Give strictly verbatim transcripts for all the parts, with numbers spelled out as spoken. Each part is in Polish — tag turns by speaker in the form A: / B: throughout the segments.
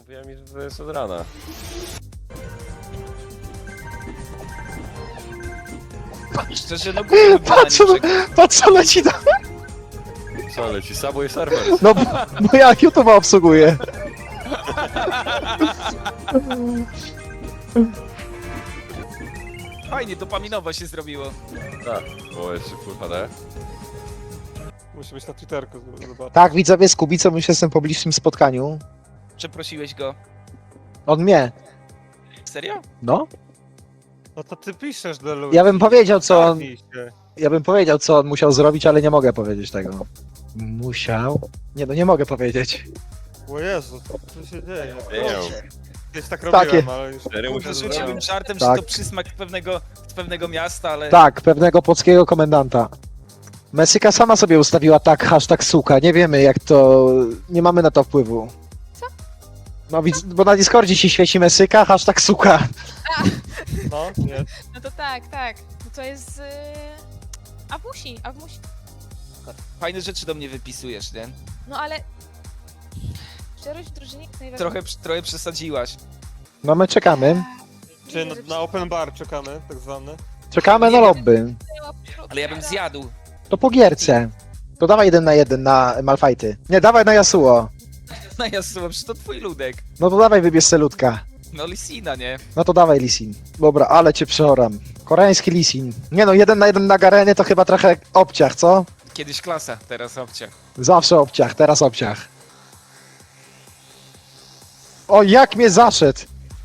A: Mówiłem mi, że to jest od rana.
B: Szczerze, no głupio
C: Patrz,
B: wybranie
C: co, patrz co leci na...
A: Co, leci Subway Surfers?
C: No, bo ja YouTube'a obsługuję.
B: Fajnie, dopaminowo się zrobiło.
A: Tak. O, jeszcze Full H D.
D: Musi być na Twitterku, zobacz.
C: Tak, widzowie z Kubicą już jestem po bliższym spotkaniu.
B: Przeprosiłeś go.
C: On mnie.
B: Serio?
C: No.
D: No to ty piszesz do ludzi.
C: Ja bym powiedział, co on...
D: Zgadnij się.
C: Ja bym powiedział, co on musiał zrobić, ale nie mogę powiedzieć tego. Musiał? Nie, no nie mogę powiedzieć.
D: O Jezu, co się dzieje?
A: Nie.
D: Kiedyś tak
C: Takie.
D: robiłem, ale już...
A: Cztery
B: Kurde,
A: muszę
B: rzuciłbym
A: zrobić.
B: żartem,
C: Tak.
B: że to przysmak pewnego, pewnego miasta, ale...
C: Tak, pewnego polskiego komendanta. Mesyka sama sobie ustawiła tak hashtag suka. Nie wiemy jak to... Nie mamy na to wpływu.
E: Co?
C: No widz, bo na Discordzie się świeci Mesyka, hashtag suka.
D: No, nie.
E: No to tak, tak. No to jest... Yy... Awusi, Awusi.
B: Fajne rzeczy do mnie wypisujesz, nie?
E: No ale... Szczerość w drużynie jest najważniejsza.
B: Trochę, trochę przesadziłaś.
C: No my czekamy.
D: Czy na, na open bar czekamy, tak zwany?
C: Czekamy na lobby.
B: Ale ja bym zjadł.
C: To po gierce. To dawaj jeden na jeden na Malfighty. Nie, dawaj na Yasuo.
B: No ja słucham, że to twój ludek.
C: No to dawaj wybierz Selutka.
B: No Lisina, nie?
C: No to dawaj Lisin. Dobra, ale cię przeoram. Koreański Lisin. Nie no, jeden na jeden na Gareny to chyba trochę obciach, co?
B: Kiedyś klasa, teraz obciach.
C: Zawsze obciach, teraz obciach. O, jak mnie zaszedł!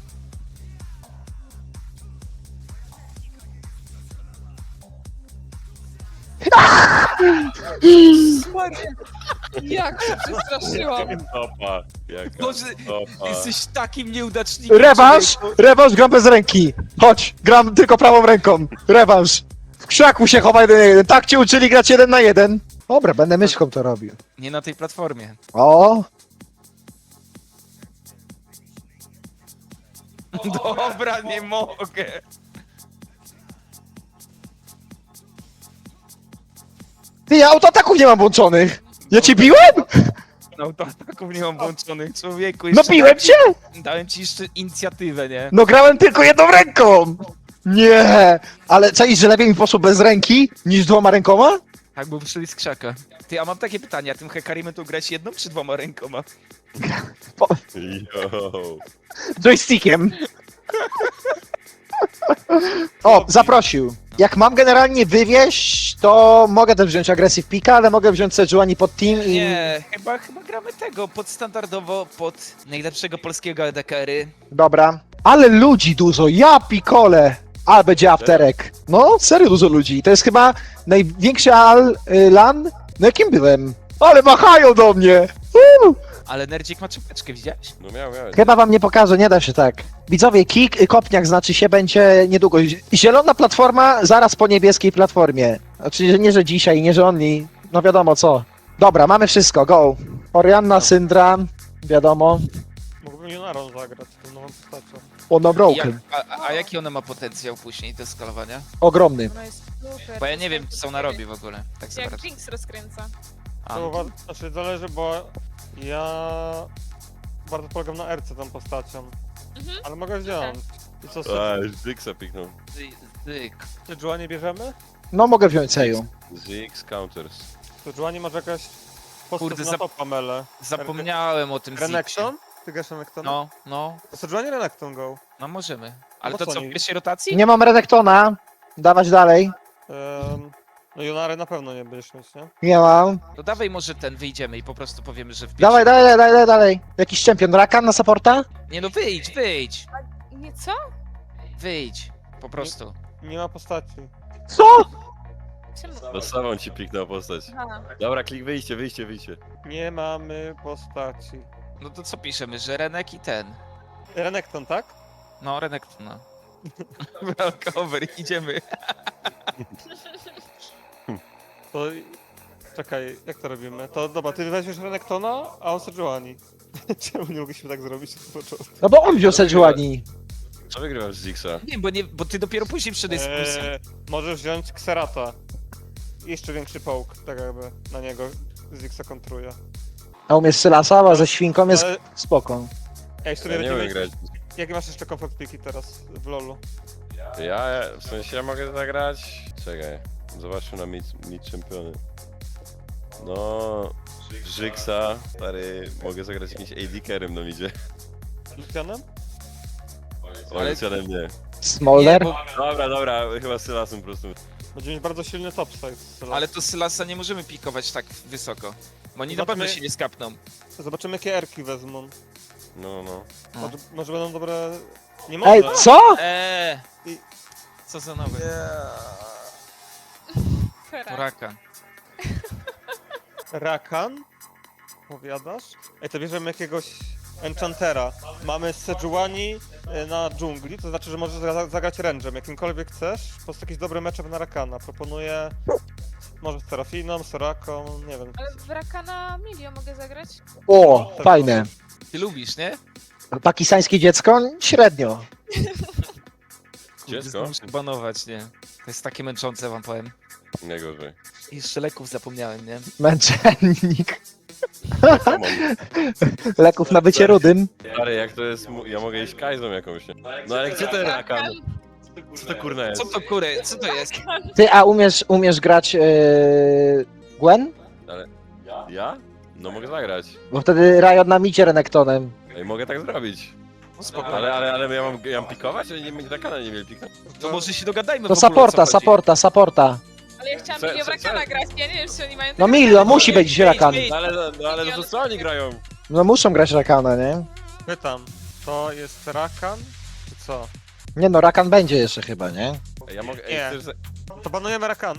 E: Jak się przestraszyłam.
A: Topa. Jaka
B: Boże,
A: topa.
B: jesteś takim nieudacznikiem.
C: Rewanż!
B: człowieku.
C: Rewanż gram bez ręki! Chodź, gram tylko prawą ręką. Rewanż! W krzaku się chowa jeden na jeden. Tak cię uczyli grać jeden na jeden. Dobra, będę myszką to robił.
B: Nie na tej platformie.
C: O!
B: Dobra, nie mogę.
C: Ty, ja autoataków nie mam włączonych! Ja cię biłem?
B: No to ataków nie mam włączonych, człowieku.
C: No
B: jeszcze
C: biłem
B: taki-
C: cię!
B: Dałem ci jeszcze inicjatywę, nie?
C: No grałem tylko jedną ręką! Nie! Ale czaisz, że lepiej mi poszło bez ręki niż dwoma rękoma?
B: Tak, bo wyszli z krzaka. Ty, a mam takie pytanie, a tym Hekarimem to grać jedną czy dwoma rękoma?
A: Yo.
C: Joystickiem. O, zaprosił. Jak mam generalnie wywieźć, to mogę też wziąć Aggressive Pika, ale mogę wziąć Sejuani pod team i...
B: Nie, chyba, chyba gramy tego, pod standardowo, pod najlepszego polskiego E D K R-y.
C: Dobra. Ale ludzi dużo, ja pikole! Ale będzie afterek. No, serio dużo ludzi. To jest chyba największy al, y, LAN, na jakim byłem. Ale machają do mnie! Uuu.
B: Ale Nerdzik ma czapeczkę, widziałeś?
A: No miał, miał.
C: Chyba wam nie pokażę, nie da się tak. Widzowie, kick, y, kopniak znaczy się będzie niedługo. Zielona platforma zaraz po niebieskiej platformie. Znaczy, że nie, że dzisiaj, nie, że only. No wiadomo co. Dobra, mamy wszystko, go. Orianna, Syndra, wiadomo.
D: Mógłbym Junarą zagrać, tą nową postacią.
C: Ono
B: Jak,
C: broken.
B: a, a, a jaki ona ma potencjał później do skalowania?
C: Ogromny.
E: Ona jest super.
B: Bo ja nie wiem, co ona robi w ogóle. Tak
E: Jak
B: naprawdę.
E: Jinx rozkręca.
B: A,
D: To uwa- znaczy zależy, bo ja bardzo polegam na R C tą postacią.
E: Mhm.
D: Ale mogę wziąć. I co,
A: A, już Zixa piknął.
B: zy- zyk.
D: Sejuani nie bierzemy?
C: No mogę wziąć Seju.
A: Zix counters.
D: Sejuani może jakaś postać
B: Kurde,
D: na
B: zap-
D: topa mele.
B: Zapomniałem o tym Ziksie.
D: Renekton? Ty grasz Renekton?
B: No, no,
D: To Sejuani Renekton go.
B: no możemy. Ale
D: No
B: to
D: co
B: co, w
D: nie-
B: pierwszej rotacji?
C: Nie mam Redektona. Dawać dalej.
D: Um, no Junary na pewno nie będziesz mieć, nie?
C: Nie mam.
B: To dawaj może ten, wyjdziemy i po prostu powiemy, że w pierwszej...
C: Dawaj, dalej, dalej, dalej, dalej. Jakiś czempion. Rakan na supporta?
B: Nie no, wyjdź, wyjdź,
E: Nie, co?
B: wyjdź. Po prostu.
D: Nie ma postaci.
C: Co?
E: Czemu?
A: No samą ci piknął postać.
E: Aha.
A: Dobra, klik wyjście, wyjście, wyjście.
D: Nie mamy postaci.
B: No to co piszemy, że Renek i ten.
D: Renekton, tak?
B: No, Renek, no. Walkover, idziemy.
D: To... Czekaj, jak to robimy? To dobra, ty weźmiesz Renektona, a on Sejuani. Czemu nie mogliśmy tak zrobić od początku?
C: No bo on wziął Sejuani.
A: Co wygrywasz z Zixa?
B: Nie, bo, nie, bo ty dopiero później przy dyskusji.
D: Eee, możesz wziąć Xerata. Jeszcze większy połk, tak jakby na niego Zixa kontruje.
C: A umiesz Sylasa, a ze świnką jest
D: Ale
C: spoko.
D: Ej, w sumie
A: Ja nie
D: będziemy...
A: umiem grać.
D: Jakie masz jeszcze comfort piki teraz w lolu?
A: Ja, w sensie ja mogę zagrać... Czekaj, zobaczmy na mid, mid czempiony. No... Żyksa, stary, mogę zagrać jakimś A D carrym na midzie.
D: Lucianem?
A: Ale Lucianem nie.
C: Smolder?
B: Nie, bo,
A: Dobra, dobra, chyba z Sylasem po prostu.
D: Będziemy mieć bardzo silny topside.
B: ale to Sylasa nie możemy pikować tak wysoko. Bo oni na
D: Zobaczmy-
B: pewno się nie skapną.
D: Zobaczymy jakie erki wezmą.
A: No, no.
B: No.
D: Może, może będą dobre... Nie może.
C: Ej, co?
B: Eee!
D: I-
B: Co za nowe?
E: Fera.
B: Poraka.
D: Rakan? Powiadasz? Ej, to bierzemy jakiegoś enchantera. Mamy Sejuani y, na dżungli, to znaczy, że możesz za- zagrać range'em, jakimkolwiek chcesz. Po prostu jakiś dobry matchup na Rakana. Proponuję... Może z Serafiną, Soraką, nie wiem.
E: Ale w Rakana Milio mogę zagrać?
C: O, fajne.
B: Ty lubisz, nie?
C: Pakistańskie dziecko? Średnio.
A: Dziecko?
B: Muszę banować, nie? To jest takie męczące, wam powiem.
A: Nie gorzej.
B: I jeszcze leków zapomniałem, nie?
C: Męczennik.
A: Come on.
C: Leków na bycie rudym.
A: Stary, jak to jest... mu- Ja mogę iść Kajzą jakąś, nie? No ale gdzie ten Rakan? Co to kurna jest?
B: Co to kury? Co to jest?
C: Ty, a umiesz, umiesz grać yy, Gwen?
A: Ja? No mogę zagrać.
C: Bo wtedy Riot na micie Renektonem.
A: Ej, mogę tak zrobić.
B: No spoko.
A: Ale, ale, ale ja mam, ja mam pikować? Ja nie Rakana nie mieli piknąć.
B: To może się dogadajmy
C: To
B: w ogóle, o co
C: supporta,
B: chodzi.
C: supporta, supporta.
E: Ale ja chciałam
A: Co-
E: Milio w
A: co-
E: Rakana
A: co?
E: grać, ja nie wiem czy oni mają...
C: No
E: takie
C: Milio,
E: same-
C: musi być Rakan.
B: Ej,
A: No ale, no, ale no to co oni grają?
C: No muszą grać Rakana, nie?
D: Pytam, to jest Rakan, czy co?
C: Nie no, Rakan będzie jeszcze chyba, nie?
A: Ej, ja mogę...
D: Nie.
A: Ej, chcesz... za-
D: To banujemy Rakan.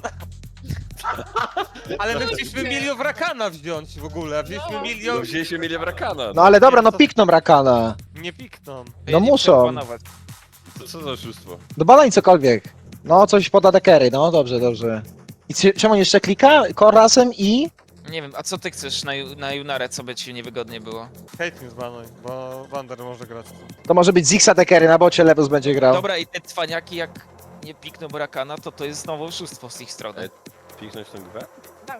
D: Ale my chcieliśmy milion w Rakana wziąć w ogóle, wzięliśmy
E: No.
A: No
D: milion...
A: wzięliśmy mieli w Rakana.
C: No ale dobra, no pikną Rakana.
D: Nie pikną.
C: No
B: nie
C: muszą.
B: chciałem banować.
A: To co za oszustwo?
C: No balań cokolwiek. No, coś poda dekery, no dobrze, dobrze. I c- czemu on jeszcze klika? Korasem i...
B: Nie wiem, a co ty chcesz na, Ju- na Junarę, co by ci niewygodnie było?
D: Caitlyn zbanuj, bo Wander może grać.
C: To może być Zixa dekery, na bocie Lewus będzie grał.
B: Dobra, i te cwaniaki, jak nie pikną Burakana, to to jest znowu oszustwo z ich strony.
A: Ej, Piknąć tę grę?
E: Tak.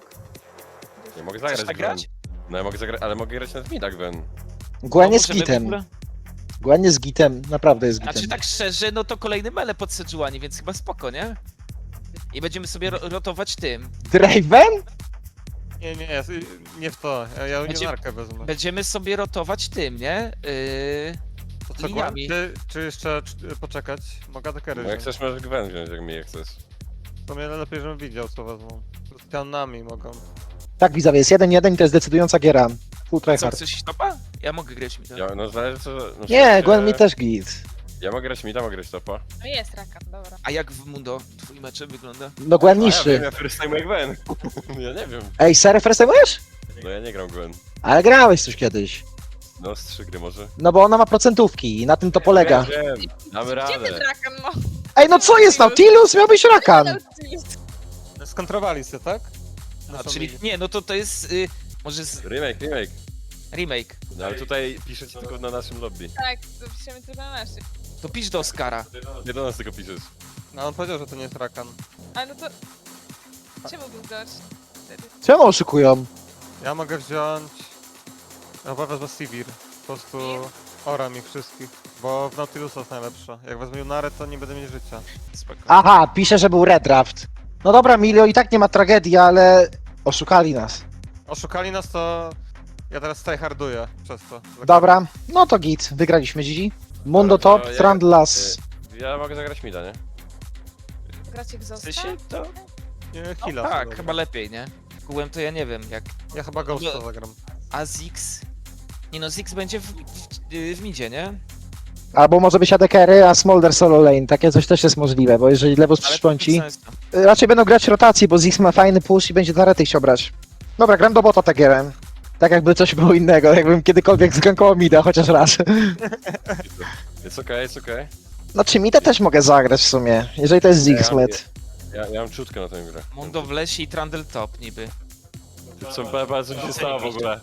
A: Ja mogę
B: Chcesz
A: zagrać
B: tak
A: Gwen.
B: grać?
A: No ja mogę zagrać, ale mogę grać na Mida Gwen.
C: Gwen
B: No,
C: jest
B: możemy w
C: gitem.
B: ogóle-
C: Gwen jest gitem, naprawdę jest gitem.
B: Znaczy tak szczerze, no to kolejny mele pod Sejuani, więc chyba spoko, nie? I będziemy sobie ro rotować tym.
C: Draven?
D: Nie, nie, nie, nie w to, ja, ja
B: Będzie-
D: Junarkę wezmę.
B: Będziemy sobie rotować tym, nie? Yy...
D: To co, Gwen?
B: liniami.
D: Czy, czy jeszcze czy, poczekać? Mogę dekery
A: No jak
D: wziąć.
A: chcesz możesz Gwen wziąć, jak mi je chcesz.
D: To mnie lepiej, żebym widział co wezmą. Z Tianami mogą.
C: Tak, widzowie, jest jeden jeden i to jest decydująca giera. Full
B: Co,
C: tryhard.
B: chcesz iść topa? Ja mogę grać mi to.
A: Ja, no zależy co... No, w
C: Nie,
A: sensie-
C: Gwen mi też git.
A: Ja mogę grać Mida, mogę grać topa.
E: No jest Rakan, dobra.
B: A jak w Mundo twój mecze wygląda?
C: No Gwen
A: A ja
C: niższy.
A: wiem, ja first time Gwen. Ja nie wiem.
C: Ej, serio firstymujesz?
A: No ja nie gram Gwen.
C: Ale grałeś coś kiedyś.
A: No z trzy gry może.
C: No bo ona ma procentówki i na tym to polega.
A: Wiem, wiem. Damy
E: Gdzie
A: radę.
E: ten Rakan, no?
C: Ej, no co jest Nautilus? Miał być Rakan.
D: Skontrowali się, tak?
B: A,
D: Naszą
B: czyli
D: ligę.
B: nie, no to to jest y, może z
A: Remake, remake.
B: remake.
A: No ale tutaj piszecie tylko na naszym lobby.
E: Tak, to piszemy tylko na naszych.
B: To pisz do Oscara.
A: Nie do nas tylko piszesz.
D: No on powiedział, że to nie jest Rakan.
E: Ale no to... Czemu był dodge wtedy?
C: Czemu oszukują?
D: Ja mogę wziąć... Ja chyba wezmę Sivir. Po prostu oram ich wszystkich. Bo w Nautilusa jest najlepsza. Jak wezmę Junarę, to nie będę mieć życia.
B: Spoko.
C: Aha, pisze, że był redraft. No dobra, Milio, i tak nie ma tragedii, ale oszukali nas.
D: Oszukali nas, to... Ja teraz tryharduję przez to.
C: Dobra, no to git, wygraliśmy Gigi. Mundo
A: Dobra, to
C: top,
A: ja-
C: Trandlas.
A: Ja mogę zagrać Mida, nie?
E: Gracie
B: W
E: Gzosta?
B: sensie to?
D: Nie,
B: No,
D: Hila.
B: tak,
D: sobie.
B: chyba lepiej, nie? Kułem to ja nie wiem, jak...
D: Ja chyba Ghosta
B: No.
D: zagram.
B: A Zix? Nie no, Zix będzie w, w, w midzie, nie?
C: Albo może być Adekery, a Smolder solo lane. Takie coś też jest możliwe, bo jeżeli Lewus
B: Ale to
C: przyszpąci...
B: bez sensu.
C: Raczej będą grać rotacji, bo Zix ma fajny push i będzie na rety chciał brać. Dobra, gram do bota Tagerem. Tak jakby coś było innego, jakbym kiedykolwiek zgankował mida, chociaż raz.
A: Jest okej, jest okej.
C: No czy mida też mogę zagrać w sumie, jeżeli to jest Zix
A: Ja-
C: mid.
A: Ja, ja mam czutkę na tę grę.
B: Mundo w lesie i Trundle top niby.
A: Co, pa- co mi się stało w ogóle?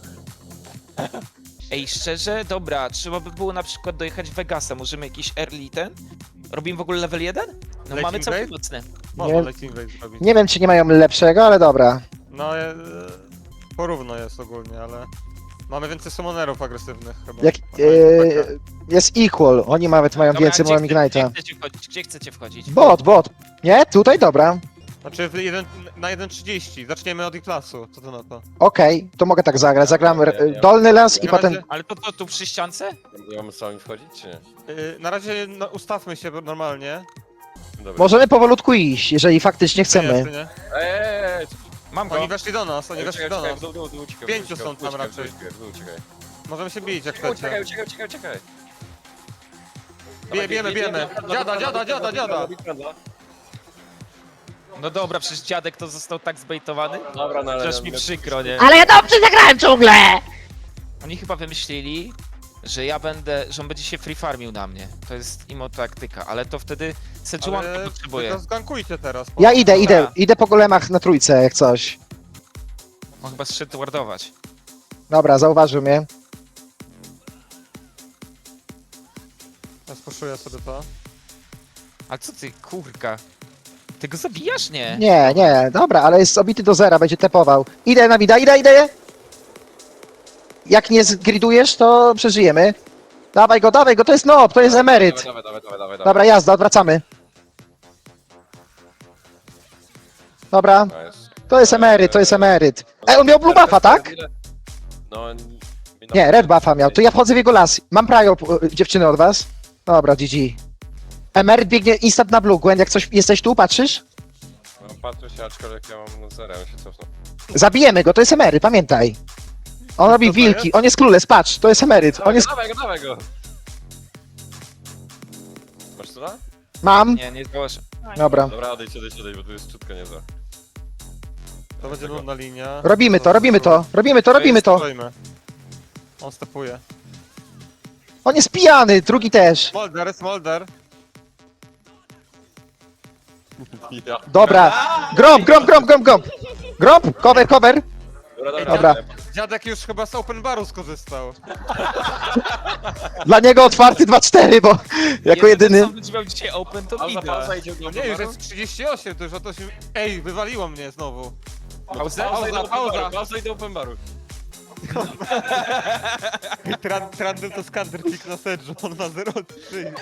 B: Ej, szczerze, dobra, trzeba by było na przykład dojechać Vegasa, możemy jakiś early ten? Robimy w ogóle level jeden? No
D: Late
B: mamy
D: in
B: całkiem
D: grade?
B: mocne.
D: Można
C: Nie-
D: Late Invade zrobić.
C: Nie wiem czy nie mają lepszego, ale dobra.
D: No, e, porówno jest ogólnie, ale... Mamy więcej summonerów agresywnych chyba.
C: Jak,
D: Mamy
C: e,
D: takę.
C: jest equal, oni nawet mają
B: Dobra,
C: więcej,
B: gdzie
C: mają
B: chce-
C: Ignite'a.
B: Gdzie chcecie wchodzić? Gdzie chcecie wchodzić?
C: Bot, bot. Nie? Tutaj? Dobra.
D: Znaczy w jeden, na jeden trzydzieści. Zaczniemy od E-klasu. Co to na to?
C: Okej, to mogę tak zagrać. Zagram
A: Ja- ja-
C: e,
A: ja-
C: dolny las i
D: Na
C: potem...
D: razie-
B: Ale to, to tu przy ściance?
A: Ja mam sami wchodzić, czy nie?
D: Yy, na razie no, ustawmy się normalnie.
A: Dobra.
C: Możemy powolutku iść, jeżeli faktycznie
D: Nie,
C: chcemy.
D: nie?
A: Eee,
B: Mam go.
D: Oni weszli do nas, oni weszli do nas.
A: Dół, dół, dół, uciekaj,
D: Pięciu
A: uciekaj,
D: są tam
A: uciekaj,
D: raczej.
A: uciekaj, dół, uciekaj.
D: Możemy się bić jak
A: Uciekaj,
D: chcecie.
A: uciekaj, uciekaj, uciekaj.
D: Bije, bijemy, bijemy. Dziada, dziada, dziada, dziada.
B: No dobra, przecież dziadek to został tak zbejtowany.
A: Dobra, no ale...
B: Przecież mi przykro, nie?
C: Ale ja dobrze zagrałem ciągle!
B: Oni chyba wymyślili, że ja będę, że on będzie się free farmił na mnie. To jest imo taktyka, ale to wtedy Sejuani
D: Ale
B: potrzebuje.
D: to zgankujcie teraz.
C: Ja idę,
B: Dobra.
C: idę, idę po golemach na trójce, jak coś.
B: On chyba zszedł wardować.
C: Dobra, zauważył mnie.
D: Ja spuszuję sobie to.
B: Ale co ty, kurka? Ty go zabijasz? Nie.
C: Nie, nie, dobra, ale jest obity do zera, będzie tepował. Idę na mida, idę, idę! Jak nie zgridujesz, to przeżyjemy. Dawaj go, dawaj go, to jest nob, to jest emeryt.
A: Dawaj, dawaj, dawaj, dawaj,
C: Dobra, jazda, odwracamy. Dobra,
A: Nice.
C: to jest emeryt, to jest emeryt. Ej, on miał blue buffa, tak?
A: No...
C: Nie, red buffa miał, to ja wchodzę w jego las. Mam prajo, e, dziewczyny, od was. Dobra, G G. Emeryt biegnie instant na blue, Gwen, jak coś, jesteś tu, patrzysz?
A: No, patrzę się, aczkolwiek ja mam no zero, ja się cofnę.
C: Zabijemy go, to jest emeryt, pamiętaj. On robi
D: to
C: wilki,
D: jest?
C: on jest clueless, patrz, to jest emeryt, on jest...
A: Dawaj go, dawaj go! Masz co da?
C: Mam,
B: Nie, nie zdołasz.
C: dobra.
A: Dobra, odejdź, odejdź, odejdź, bo tu jest czutka niezła.
D: To będzie nudna linia.
C: Robimy to, robimy to, robimy to, robimy to.
D: Stoimy. On stepuje.
C: On jest pijany, drugi też.
D: Smolder, Smolder.
A: Ja.
C: Dobra, gromp, gromp, gromp, gromp, gromp. Gromp, cover, cover.
A: Dobra,
C: Dobra.
D: Dziadek już chyba z open baru skorzystał.
C: Dla niego otwarty dwa cztery, bo jako jedyny.
B: Co będzie miał dzisiaj open, to
A: Pauza,
B: widać.
A: pauza, idzie
D: No nie, już jest trzydzieści osiem, to już o to się... Ej, wywaliło mnie znowu.
B: Pauzę?
A: Pauza, idę do open
D: pauza.
A: baru, pauza, idę open baru.
D: Tran, Trandem to skander pick na Sedge, on ma zero trzy.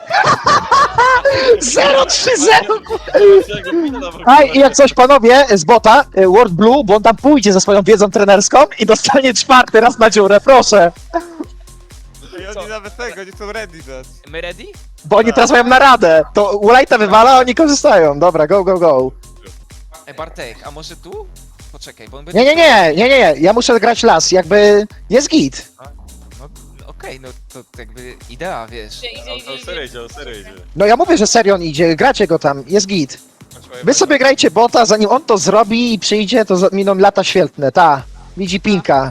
C: zero trzy zero. Aj, i jak coś panowie z bota, y, World Blue, bo on tam pójdzie ze swoją wiedzą trenerską i dostanie czwarty raz na dziurę, proszę.
D: I oni nawet tego, nie są ready dać.
B: My ready?
C: Bo oni teraz mają naradę. To Ulajta wywala, a oni korzystają. Dobra, go, go, go.
B: Ej, Bartek, a może tu? Poczekaj, bo on będzie...
C: Nie, nie, nie, nie, nie, nie. Ja muszę grać las, jakby jest git.
B: No, okej, no to jakby idea, wiesz.
E: Idzie, idzie,
A: On
E: idzie,
A: to
E: idzie.
A: serio idzie, on serio idzie.
C: No ja mówię, że serio on idzie, gracie go tam, jest git. Wy sobie grajcie bota, zanim on to zrobi i przyjdzie, to za- miną lata świetne, ta. Widzi pinka.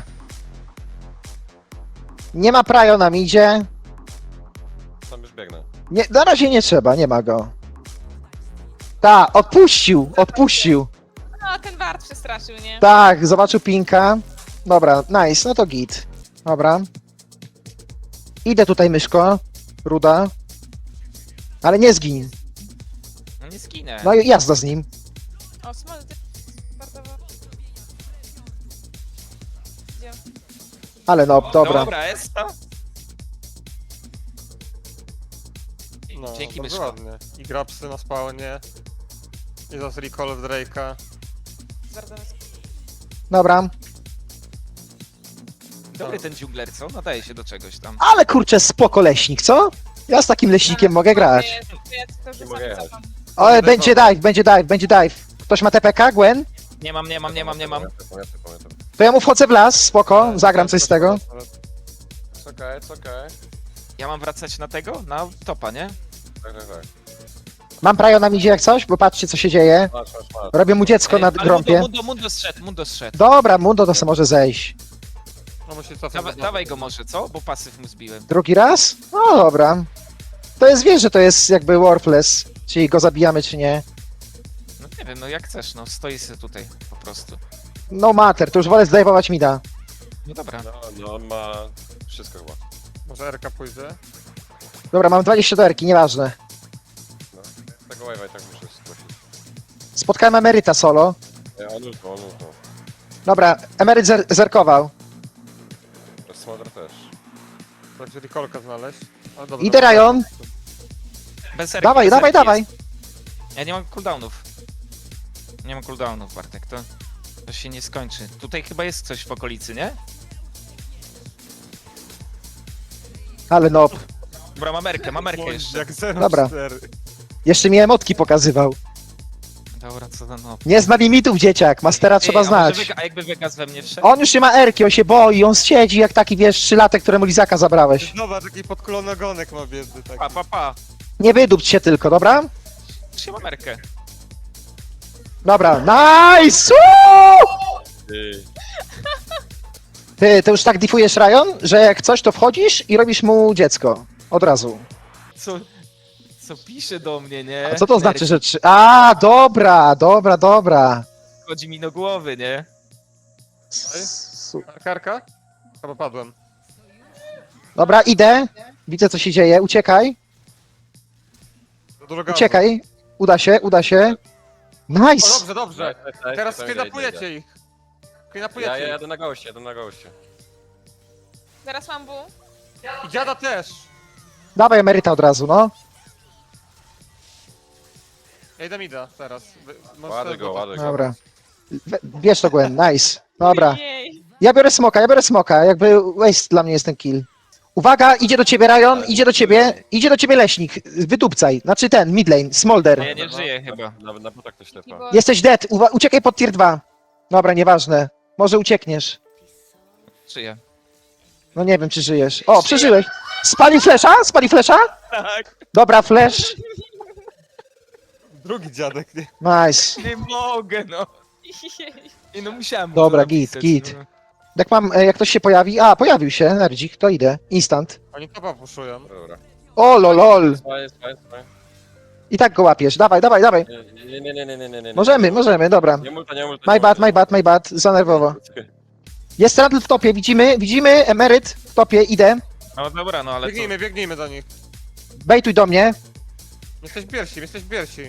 C: Nie ma prajo nam idzie.
A: Tam już biegnę.
C: Nie, na razie nie trzeba, nie ma go. Ta, odpuścił, odpuścił.
E: No, ten wart przestraszył, nie?
C: Tak, zobaczył pinka. Dobra, nice, no to git. Dobra. Idę tutaj, myszko. Ruda. Ale nie zgin.
B: No nie skinę.
C: No i jazda z nim.
E: O, smol, ty... Bardzo... Gdzie?
C: Ale no, dobra.
B: Dobra, jest to.
D: No,
B: Dzięki,
D: bardzo
B: myszko.
D: ładnie. I grapsy na spawnie. I zas recall w Drake'a.
E: Zwardować.
C: Dobra.
B: Dobry ten dżungler, co? Nadaje się do czegoś tam.
C: Ale kurczę, spoko leśnik, co? Ja z takim leśnikiem mogę grać.
E: Ja to już
A: Nie
E: sam
A: mogę jechać.
E: cofam.
C: O, będzie dive, będzie dive, będzie dive. Ktoś ma T P K, Gwen?
B: Nie mam, nie mam, nie mam, nie mam.
A: Pamiętam, pamiętam, pamiętam.
C: To ja mu wchodzę w las, spoko, zagram coś z tego.
A: It's okej, it's okej.
B: Ja mam wracać na tego? Na topa, nie?
A: Tak, tak, tak.
C: Mam prajo nam idzie jak coś, bo patrzcie co się dzieje.
A: Masz, masz, masz.
C: Robię mu dziecko na
B: Ej, ale
C: grąpie.
B: Mundo, Mundo, Mundo zszedł, Mundo zszedł.
C: Dobra, Mundo to se może zejść.
D: No musi cofnąć.
B: Dawa, dawaj go może, co? Bo pasyw mu zbiłem.
C: Drugi raz? No dobra. To jest, wiesz, że to jest jakby worthless. Czyli go zabijamy, czy nie.
B: No nie wiem, no jak chcesz, no stoi sobie tutaj po prostu.
C: No matter, to już wolę zdejmować mida.
B: No dobra.
A: No, no, on ma wszystko chyba.
D: Może R K pójdzie?
C: Dobra, mam dwadzieścia do erki, nieważne.
A: No. Tego wave'a i tak muszę zgłosić.
C: Spotkałem emeryta solo.
A: Ej, on ultnął, on ultnął.
C: Dobra, emeryt zer zerkował.
A: Smolder też.
D: Tak, czyli kolkę znaleźć. Ale dobra,
C: Idę
D: dobra.
C: Ryan.
B: Bez erki,
C: Dawaj,
B: bez
C: dawaj,
B: erki
C: dawaj.
B: jest. Ja nie mam cooldownów. Nie mam cooldownów, Bartek, to, to się nie skończy. Tutaj chyba jest coś w okolicy, nie?
C: Ale no,
B: Dobra, mam erkę, mam erkę jeszcze.
D: Jak zero
C: Dobra.
D: cztery.
C: jeszcze mi emotki pokazywał.
B: Dobra, co za no.
C: Nie zna limitów, dzieciak, mastera trzeba
B: Ej, a może
C: znać.
B: Vega- A jakby Vegas we mnie wszedł?
C: On już nie ma erki, on się boi, on siedzi jak taki, wiesz, trzylatek, któremu lizaka zabrałeś.
D: Zobacz, jaki podkulony ogonek ma biedny taki.
B: Pa, pa, pa.
C: Nie wydupć się tylko, dobra?
B: Już ja mam erkę.
C: Dobra, nice! Woo!
A: Ty.
C: Ty, ty już tak diffujesz Ryan, że jak coś to wchodzisz i robisz mu dziecko. Od razu.
B: Co, co pisze do mnie, nie?
C: A co to znaczy,
B: Erki
C: że trzy... A, dobra, dobra, dobra.
B: Chodzi mi do głowy, nie?
C: Su-
D: Karka? Chyba padłem.
C: Dobra, idę. Widzę, co się dzieje. Uciekaj,
D: Za Dużo gazu.
C: uciekaj. Uda się, uda się.
D: O,
C: Nice!
D: dobrze, dobrze. Teraz skidapujecie ich.
A: Ja,
D: Skidapujecie
A: ja
D: ich.
A: jadę na goście, jadę na goście.
E: Zaraz mam bu.
D: I dziada też.
C: Dawaj emeryta od razu, no.
D: Ja idę mida teraz. Wy- możesz
A: Ładę
D: sobie
A: go,
D: bota.
A: ładę go.
C: Dobra. We- Bierz to, Gwen, nice. Dobra.
E: Jej.
C: Ja biorę smoka, ja biorę smoka. Jakby waste dla mnie jest ten kill. Uwaga, idzie do ciebie Ryan, idzie do ciebie, idzie do ciebie leśnik. Wydupcaj. Znaczy ten, mid lane,
B: Ja
C: Smolder.
B: nie żyję chyba.
A: Nawet na butach ktoś lepa.
E: Bo
C: Jesteś dead, Uwa uciekaj pod tier dwa. Dobra, nieważne. Może uciekniesz.
B: Żyję.
C: No nie wiem, czy żyjesz. O, przeżyłeś. Spalił flesza? Spalił flesza?
B: Tak.
C: Dobra, flash.
D: Drugi dziadek, nie?
C: Nice.
B: Nie mogę, no.
E: jej.
B: I no musiałem mu
C: Dobra,
B: to
C: git,
B: napisać,
C: git.
B: no.
C: Jak mam, e, jak ktoś się pojawi. A, pojawił się, Nerdzik, to idę. Instant.
D: Oni topa puszują.
A: Dobra.
C: O, lol.
A: Spaję, spaję, spaję.
C: I tak go łapiesz. Dawaj, dawaj, dawaj.
A: Nie, nie, nie, nie, nie, nie, nie, nie.
C: Możemy, możemy, dobra.
A: Nie multa, nie multa.
C: My bad, my bad, my bad. Za nerwowo. Jest Randall w topie, widzimy, widzimy, emeryt w topie, idę.
B: No dobra, no ale to...
D: Biegnijmy, biegnijmy do nich.
C: Bejtuj do mnie.
D: Jesteś pierwsi, jesteś pierwsi.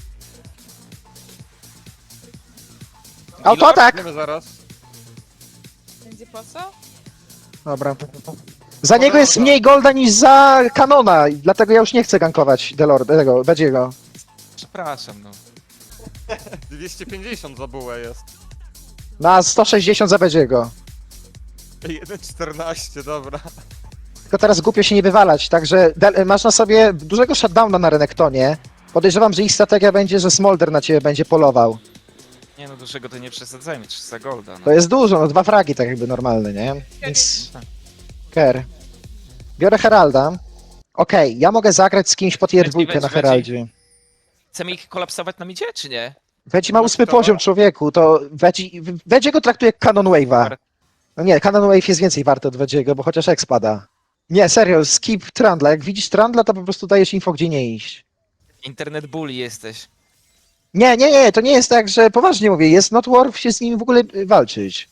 C: Autoatak!
D: Idziemy zaraz.
E: Będzie po co?
C: Dobra. Za niego jest mniej golda niż za kanona, i dlatego ja już nie chcę gankować Delord, tego, Bedziego.
B: Przepraszam, no.
D: dwieście pięćdziesiąt za bułę jest.
C: Na sto sześćdziesiąt za Bedziego.
D: jeden czternaście, dobra.
C: Tylko teraz głupio się nie wywalać, także Del masz na sobie dużego shutdowna na Renektonie. Podejrzewam, że ich strategia będzie, że Smolder na ciebie będzie polował.
B: Nie no, dużego to nie przesadzajmy, trzysta golda, no.
C: To jest dużo, no dwa fragi tak jakby normalne, nie? Więc... Ker. Biorę Heralda. Okej, ja mogę zagrać z kimś po tier
B: Wedzi,
C: dwójkę
B: wedzi,
C: na
B: wedzi.
C: Heraldzie.
B: Chcemy ich kolapsować na midzie, czy nie?
C: Wedzi ma ósmy
D: Kto?
C: poziom, człowieku, to Wedzi... Wedzi go traktuje jak Canon Wave'a. No nie, Canon Wave jest więcej warty od Wedziego, bo chociaż X pada. Nie, serio, skip Trundla. Jak widzisz Trundla, to po prostu dajesz info, gdzie nie iść.
B: Internet bully jesteś.
C: Nie, nie, nie, to nie jest tak, że poważnie mówię, jest not worth się z nim w ogóle y, walczyć.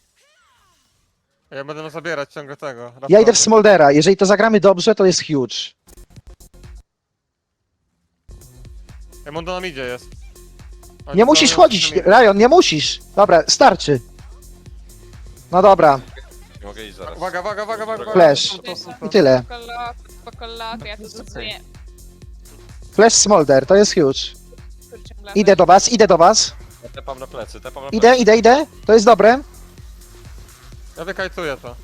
D: Ja będę zabierać ciągle tego.
C: Ja
D: Rafała.
C: idę w Smoldera, jeżeli to zagramy dobrze, to jest huge.
D: Ja Mundo na midzie jest. Oni
C: Nie musisz
D: są-
C: chodzić, Ryan, nie musisz. Dobra, starczy. No dobra,
A: Nie mogę iść zaraz.
D: Uwaga, uwaga, uwaga, uwaga.
C: Flash.
D: To, to, to, to.
C: i tyle.
E: Spoko, spoko, loku, ja to stosuję.
C: Flash Smolder, to jest huge.
E: Kurczę, blady.
C: Idę do was, idę do was.
A: Ja tepam na plecy, tepam na plecy.
C: Idę, idę, idę. To jest dobre.
D: Ja wykajtuję to.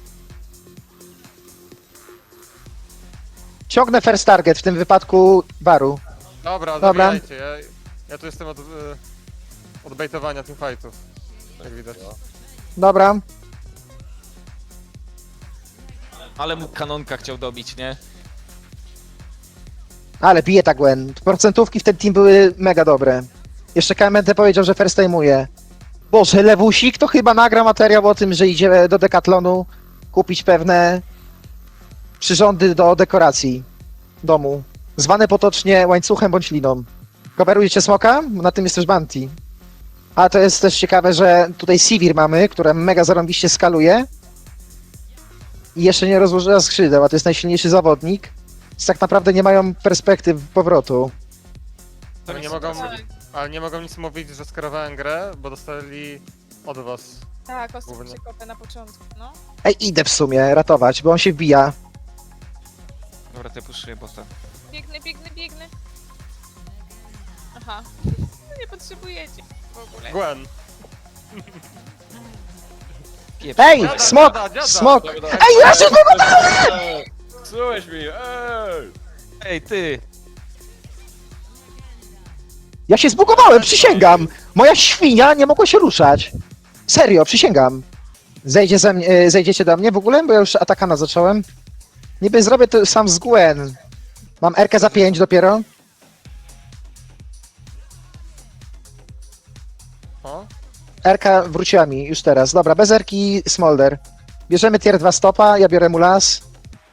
C: Ciągnę first target, w tym wypadku Baru.
D: Dobra,
C: Dobra.
D: zabijajcie. Ja, ja tu jestem od, y, od bejtowania teamfightów. Jak widać.
C: Dobra.
B: Ale mu kanonka chciał dobić, nie?
C: Ale bije ta Gwen. Procentówki w ten team były mega dobre. Jeszcze K M N T powiedział, że first time'uje. Boże, Lewusik to chyba nagra materiał o tym, że idzie do Decathlonu kupić pewne przyrządy do dekoracji domu. Zwane potocznie łańcuchem bądź liną. Coverujecie smoka? Na tym jest też Bounty. A to jest też ciekawe, że tutaj Sivir mamy, która mega zarąbiście skaluje. I jeszcze nie rozłożyła skrzydeł, a to jest najsilniejszy zawodnik. Więc tak naprawdę nie mają perspektyw powrotu.
D: Ale nie mogą, ale nie mogą nic mówić, że skierowałem grę, bo dostali od was
E: Tak, ostro
D: Głównie.
E: przekopę na początku, no.
C: Ej, idę w sumie ratować, bo on się wbija.
B: Dobra, to ja puszuję bota.
E: Biegnę, biegnę, biegnę. Aha. Nie potrzebujecie w ogóle.
D: Gwen.
B: Pieprz.
C: Ej,
D: Dziada,
C: smok!
D: dziada, dziada.
C: Smok!
A: Dobra,
C: Ej, ja się zbugowałem!
A: Psułeś mi, ej!
B: Ej, ty!
C: Ja się zbugowałem, przysięgam! Moja świnia nie mogła się ruszać. Serio, przysięgam. Zejdzie ze mnie, e, zejdziecie do mnie w ogóle? Bo ja już atakana zacząłem. Niby zrobię to sam z Gwen. Mam R K za pięć dopiero.
D: O?
C: R K wróciła mi już teraz. Dobra, bez R-ki Smolder. Bierzemy tier dwa stopa, ja biorę Mulas.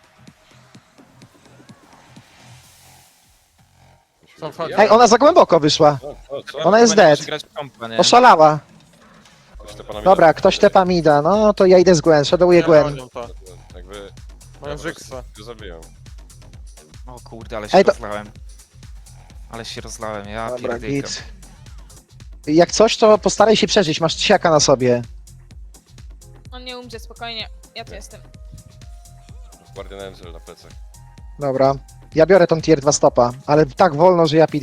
D: Co wchodzi?
C: Ej, ona za głęboko wyszła.
A: Co, co, co?
C: Ona jest
B: Chyba nie
C: dead.
B: może grać w kompa, nie?
C: Oszalała.
A: Ktoś to pana
C: Dobra,
A: widać?
C: ktoś tepa mida. No to ja idę z Gwen, shadowuję
D: Nie
C: Gwen.
D: bronią to.
A: Jakby...
D: Mają
A: Dobra,
D: Jigsa.
A: go zabiją.
B: O kurde, ale się
C: Ej, to-
B: rozlałem. Ale się rozlałem, ja
C: Dobra,
B: pierdykam.
C: git. Jak coś, to postaraj się przeżyć, masz siaka na sobie.
E: On nie umrze, spokojnie. Ja tu jestem.
A: Guardian Angel na plecach.
C: Dobra. Ja biorę tą tier dwa stopa, ale tak wolno, że ja P D.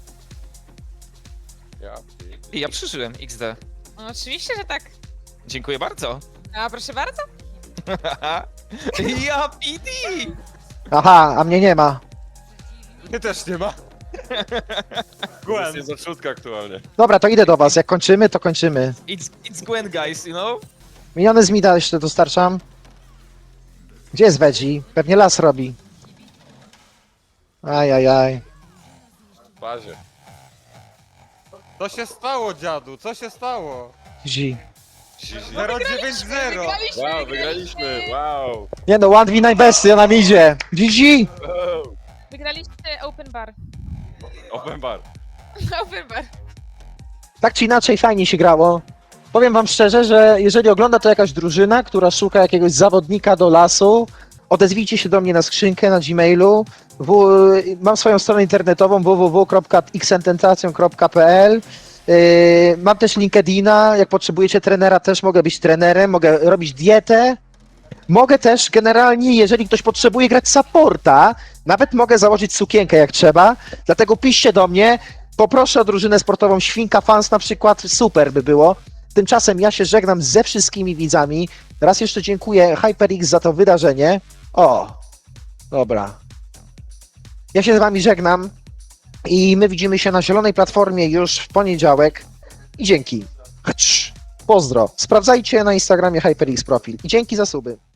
A: Ja.
B: I ja przeżyłem, X D.
E: No, oczywiście, że tak.
B: Dziękuję bardzo.
E: A proszę bardzo.
B: Ja P D!
C: Aha, a mnie nie ma.
D: Mnie też nie ma.
A: To
D: Gwen.
A: jest za sztutka aktualnie.
C: Dobra, to idę do was. Jak kończymy, to kończymy.
B: It's, it's Gwen, guys, you know?
C: Miniony z mida jeszcze dostarczam. Gdzie jest Veggie? Pewnie las robi. Ajajaj.
A: W bazie.
D: Co się stało, dziadu? Co się stało?
C: Zi.
D: zero dziewięć zero.
E: Wygraliśmy,
A: Wow, wygraliśmy! Wow!
C: Nie no, one v najbesty, ona mi idzie. G G!
A: wow.
E: Wygraliście open bar.
A: Open bar.
E: Open bar.
C: Tak czy inaczej fajnie się grało. Powiem wam szczerze, że jeżeli ogląda to jakaś drużyna, która szuka jakiegoś zawodnika do lasu, odezwijcie się do mnie na skrzynkę na Gmailu. W, mam swoją stronę internetową w w w kropka xententacją kropka p l. Yy, mam też LinkedIna, jak potrzebujecie trenera też mogę być trenerem, mogę robić dietę. Mogę też generalnie, jeżeli ktoś potrzebuje grać supporta, nawet mogę założyć sukienkę jak trzeba, dlatego piszcie do mnie, poproszę o drużynę sportową Świnka Fans na przykład, super by było. Tymczasem ja się żegnam ze wszystkimi widzami. Raz jeszcze dziękuję HyperX za to wydarzenie. O, dobra. Ja się z wami żegnam i my widzimy się na zielonej platformie już w poniedziałek. I dzięki. Hacz. Pozdro. Sprawdzajcie na Instagramie HyperX profil. I dzięki za suby.